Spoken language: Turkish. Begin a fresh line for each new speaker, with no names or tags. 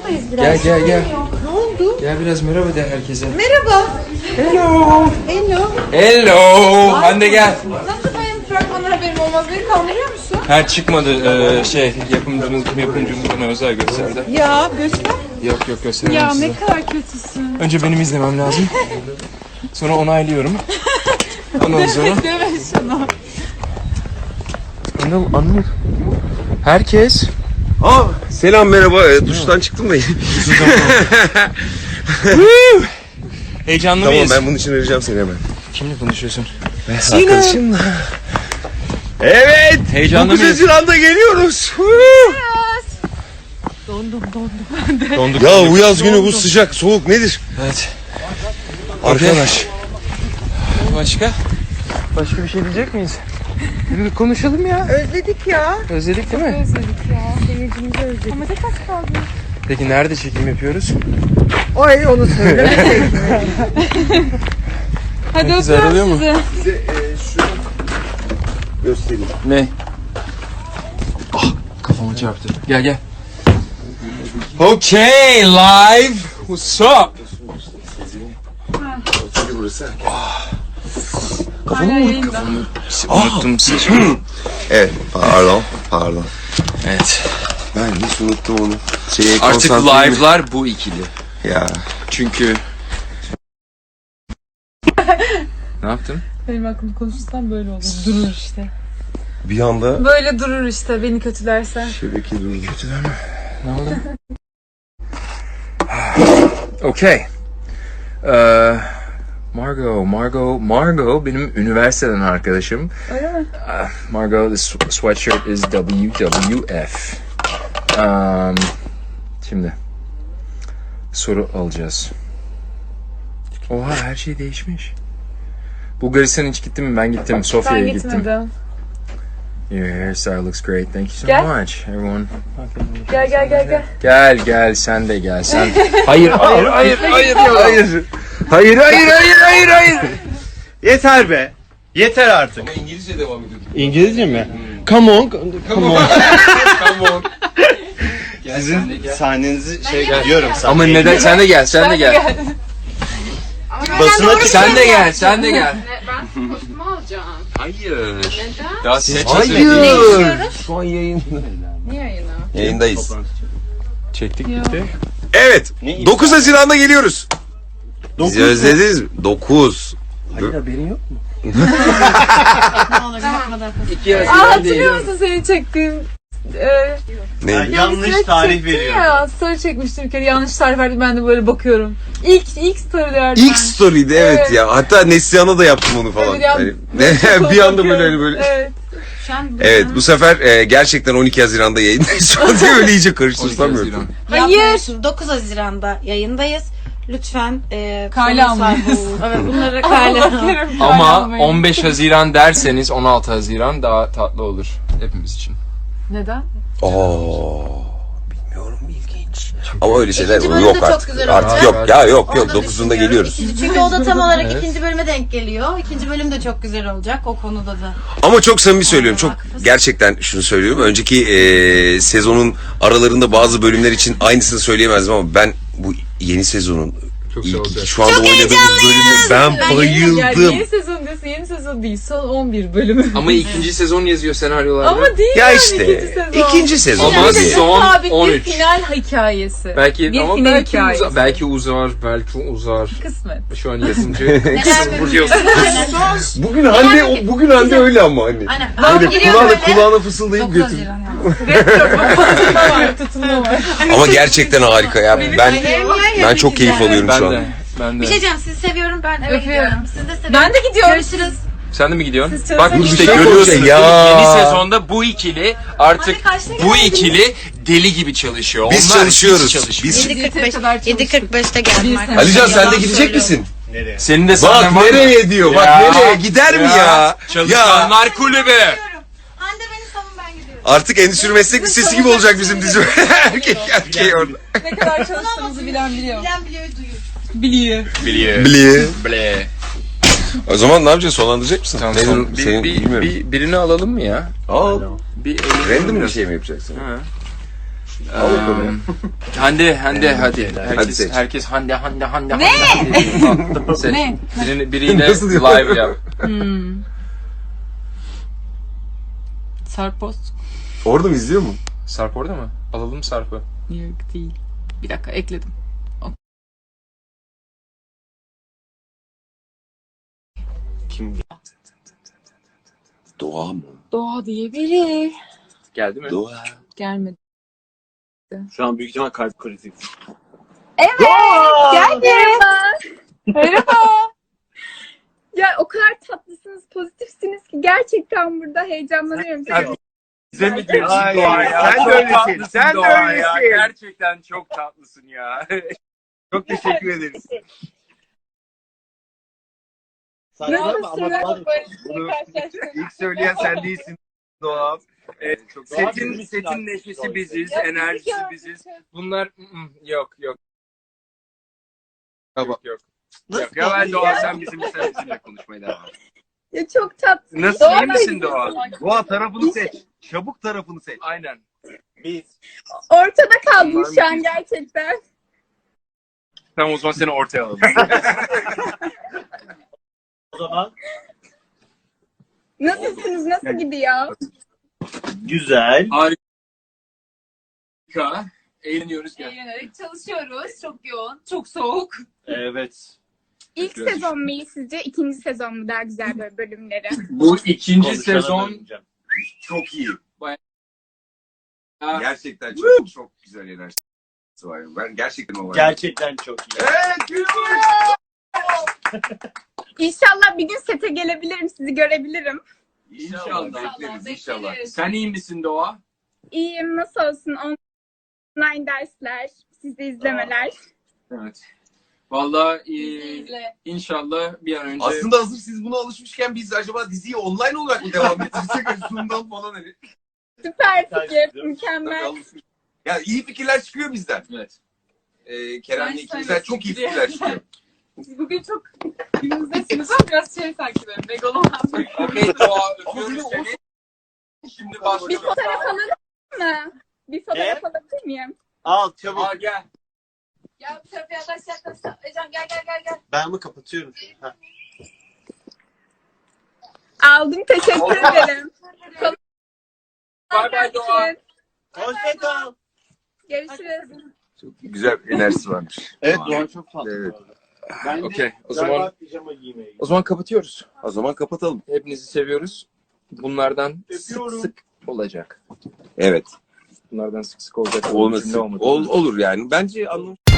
buradayız biraz.
Gel.
Ne oldu?
Gel biraz merhaba de herkese.
Merhaba.
Hello.
Hello.
Hello. Hande gel.
Nasıl benim fragmanlar haberim olmaz? Beni kandırıyor musun?
Ha çıkmadı. Yapımcımız bana özel gösterdi.
Ya göster.
Yok gösteremem size.
Ne kadar kötüsün.
Önce benim izlemem lazım. Sonra onaylıyorum. Ondan sonra...
Deme şunu.
Anıl. Herkes.
Selam merhaba. Duştan çıktım da.
Heyecanlı
Tamam
mıyız?
ben bunun için arayacağım seni hemen.
Kimle konuşuyorsun?
Arkadaşımla. Evet.
Heyecanlı
9
mıyız?
Haziran'da geliyoruz.
Donduk.
Ya bu yaz günü bu sıcak soğuk nedir?
Evet.
Arkadaş.
Başka? Başka bir şey diyecek miyiz? Bir konuşalım ya.
Özledik ya.
Özledik değil mi?
Özledik ya. Seyircimizi özledik. Ama tek az kaldı.
Peki nerede çekim yapıyoruz?
Ay onu söyle. Hadi
Herkes ayrılıyor mu?
Size şunu göstereyim.
Ne? Kafama çarptı. Gel. Okay, live. What's up?
Çünkü burası.
Kafamı unuttum.
Evet pardon.
Evet.
Ben hiç unuttum onu.
Artık live'lar bu ikili.
Ya.
Çünkü... Ne yaptın?
Benim aklımda konuşursan böyle olur. Durur işte.
Bir anda
Böyle durur işte beni kötülersen.
şebeke durdu.
Ne oldu? Okay. Margot benim üniversiteden arkadaşım.
Öyle mi?
Margot, the sweatshirt is WWF. Şimdi soru alacağız. Oha her şey değişmiş. Bulgaristan hiç gittin mi? Ben gittim. Sofya'ya
Ben
gittim.
gitmedim.
Your hairstyle looks great. Thank you so
Gel.
much, everyone.
Gel.
Gel sen de gel sen. Hayır.
Yeter be. Yeter artık.
İngilizce devam ediyor.
İngilizce mi? Come on.
Come on.
Sizin sahnenizi diyorum sana.
Ama neden sen de gel.
Basına
Sen de gel.
Ben kostümü alacağım.
Hayır.
Neden?
Daha seç.
Hayır. Şu an yayında.
Ne yayını?
Yayındayız.
Çektik bitti.
Evet. 9 Haziran'da geliyoruz. Bizi
mu?
özlediniz mi? 9.
Hayır haberin yok mu?
Hatırlıyor musun seni çektiğim?
Ne?
Yanlış tarih veriyorum.
Ya story çekmiştim bir kere yanlış tarih verdim ben de böyle bakıyorum. İlk story verdim.
İlk story'di evet ya. Hatta Neslihan'a da yaptım onu falan.
Evet,
Hani, bir anda böyle.
Evet.
Evet bu sefer gerçekten 12 Haziran'da yayındayız. Şu an diye öyle iyice karıştırsam.
Hayır.
9 Haziran'da yayındayız. Lütfen
Kale
konu
almayız.
sahibi olun. Evet bunları kale alın.
Ama 15 Haziran derseniz 16 Haziran daha tatlı olur hepimiz için.
Neden?
Bilmiyorum ilginç. Ama öyle şeyler
İkinci bölüm de
yok
çok
artık.
güzel
Artık
olacak.
yok. Ya yok.
Onu da
9'unda
düşünüyorum.
geliyoruz.
Çünkü o da tam olarak
Evet.
ikinci bölüme denk geliyor. İkinci bölüm de çok güzel olacak o konuda da.
Ama çok samimi söylüyorum. Çok gerçekten şunu söylüyorum. Önceki sezonun aralarında bazı bölümler için aynısını söyleyemezdim ama ben bu yeni sezonun
Çok güzel olacak.
şu anda oynadığımız bölümü ben
Yani
bayıldım.
yeni sezon diyorsun yeni sezon değil son 11 bölümü.
Ama ikinci sezon yazıyor senaryolarda.
Ama değil
Ya
yani
işte
ikinci sezon.
ikinci sezon.
Ama
Hadi.
son
Sabit bir
13.
final hikayesi.
Belki
bir
ama
final
belki
hikayesi.
belki uzar.
Kısmet.
Şu an yapımcı vuruyorsun.
Bugün Hande öyle ama hani.
Aynen.
Böyle kulağına fısıldayıp
9
götür.
Haziran yani.
Tutunma var.
Ama gerçekten harika ya. Ben çok keyif alıyorum şu an.
Ben
Bir
de.
şey diyeceğim sizi seviyorum ben eve
Öpüyorum.
gidiyorum. Siz de seviyorum.
Ben de gidiyorum.
Görüşürüz.
Sen de mi gidiyorsun?
Siz
Bak
çalışın.
işte
Bir şey
görüyorsunuz
olacak
değil mi?
ya.
Yeni sezonda bu ikili artık
Hadi kaçta
bu
geldiniz?
ikili deli gibi çalışıyor.
Biz
Onlar
çalışıyoruz.
hiç çalışmıyor.
Biz
7.45'te geldim arkadaşlar.
Alican sen de
Yalan
gidecek
söylüyorum.
misin?
Nereye?
Senin de
Bak
sahnen var mı?
nereye diyor. Bak
Ya.
nereye gider mi ya?
Çalışanlar kulübü.
Hande beni savun ben gidiyorum.
Artık endüstri meslek lisesi gibi olacak bizim dizi. Erkek orada.
Ne kadar çalıştığımızı bilen biliyor.
Bilen biliyor duyuyor.
Biliyor.
Biliyor.
Bli. O zaman ne yapacağız? Sonlandıracak mısın?
Tamam,
Nedir?
son,
Senin bilmiyorum.
birini alalım mı ya?
Al.
Bir
Random bir şey mi yapacaksın?
Ha. Hande hadi.
Hadi seç.
Herkes Hande. Ne? Seç.
Ne?
Biriyle
Nasıl diyor?
live yap.
Sarpoz.
Orada mı izliyor mu?
Sarp orada mı? Alalım Sarp'ı.
Yok değil. Bir dakika ekledim.
Kim? Doğa mı?
Doğa diye biri.
Geldi mi?
Doğa.
Gelmedi.
Şu an büyük ihtimal kalp krizi.
Merhaba.
Ya o kadar tatlısınız, pozitifsiniz ki gerçekten burada heyecanlanıyorum.
Bize mi
diyorsun Doğa ya?
Sen de
Çok
öylesin.
tatlısın
Sen de
Doğa ya.
öylesin.
Gerçekten çok tatlısın ya.
Çok teşekkür ederiz. Saçmalama ama bunu ilk söyleyen sen değilsin Doğa.
Setin neşesi biziz, enerjisi biziz. Bunlar yok.
Tamam.
Yok. Ya ben Doğa sen bizimle konuşmaya devam et.
Ya çok tatlı.
Nasıl iyi misin Doğa?
Doğa tarafını seç. Çabuk tarafını seç.
Aynen.
Biz.
Ortada kaldım şu an gerçekten.
Tamam o zaman seni ortaya alalım.
O zaman
Nasılsınız? Nasıl gidiyor?
güzel.
Harika. Eğleniyoruz gel.
Eğlenerek çalışıyoruz. Çok yoğun, çok soğuk.
Evet.
İlk sezon mu iyi sizce? İkinci sezon mu daha güzel böyle bölümleri?
Bu ikinci
Konuşana
sezon
döneceğim.
Çok iyi.
Bayağı-
Gerçekten çok güzel enerjisi var. Ben gerçekten o var.
Gerçekten çok iyi.
Evet, gülüyor.
İnşallah bir gün sete gelebilirim, sizi görebilirim.
İnşallah. Bekleriz inşallah.
bekleriz.
Sen iyi misin Doğa?
İyiyim, nasıl olsun? Online dersler, sizi izlemeler.
Evet. Vallahi
İzle.
inşallah bir an önce
Aslında hazır siz buna alışmışken biz acaba diziyi online olarak mı devam ettirsek? Sunumdan falan hani.
Süper fikir,
Tabii
mükemmel.
alışmış. Ya iyi fikirler çıkıyor bizden.
evet.
Kerem'le ikimizden çok iyi fikirler çıkıyor.
Siz bugün çok günümüzdesiniz ama biraz şey sanki böyle megaloman.
Okey Doğa öpüyoruz seni. Şimdi
Bir
başlıyoruz.
fotoğraf alalım mı? Bir fotoğraf alabilir miyim?
Al çabuk.
Aa gel.
Ya bu tarafa yaklaş. Ecem gel.
Ben mi kapatıyorum? Ha.
Aldım, teşekkür ederim.
Bay bay Doğa.
Hoşça kal.
Görüşürüz.
Güzel enerjisi varmış.
Evet Doğan çok tatlı.
Evet.
Ben de
Okey, o
galiba
zaman-
pijama giymeye
O zaman kapatıyoruz.
O zaman kapatalım.
Hepinizi seviyoruz. Bunlardan
Öpüyorum.
sık olacak.
Evet.
Bunlardan sık olacak.
Olması.
Cümle olmadı.
Olur yani. Bence anlam